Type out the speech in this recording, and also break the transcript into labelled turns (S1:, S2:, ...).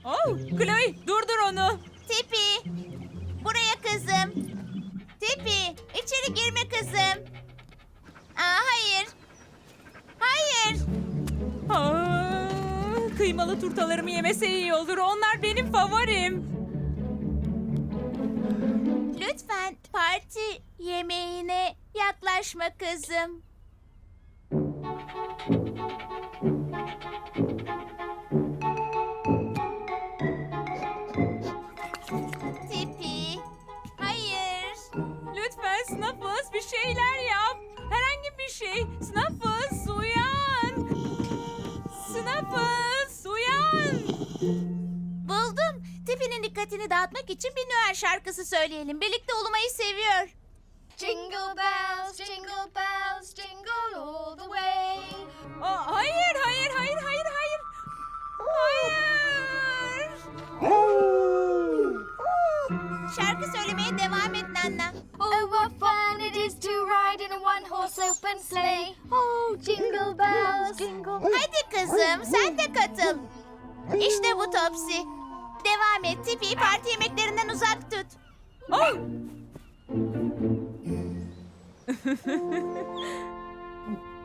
S1: Oh, Chloe, durdur onu.
S2: Tipi, buraya kızım. Tipi, içeri girme kızım. Hayır. Hayır.
S1: Kıymalı turtalarımı yemese iyi olur. Onlar benim favorim.
S2: Lütfen parti yemeğine yaklaşma kızım. Tipi, hayır.
S1: Lütfen Snuffles bir şeyler yap. Herhangi bir şey. Snuffles uyan. Snuffles uyan.
S2: Buldum. Tipi'nin dikkatini dağıtmak için bir Noel şarkısı söyleyelim. Birlikte ulumayı seviyor.
S3: Jingle bells, jingle bells, jingle all the way.
S1: Hayır, hayır, hayır, hayır, hayır. Hayır.
S2: Şarkı söylemeye devam et Nana.
S3: Oh, what fun it is to ride in a one-horse open sleigh. Oh, jingle bells, jingle.
S2: Hadi kızım sen de katıl. İşte bu Topsy. Devam et Tipi'yi parti yemeklerinden uzak tut.
S1: Oh!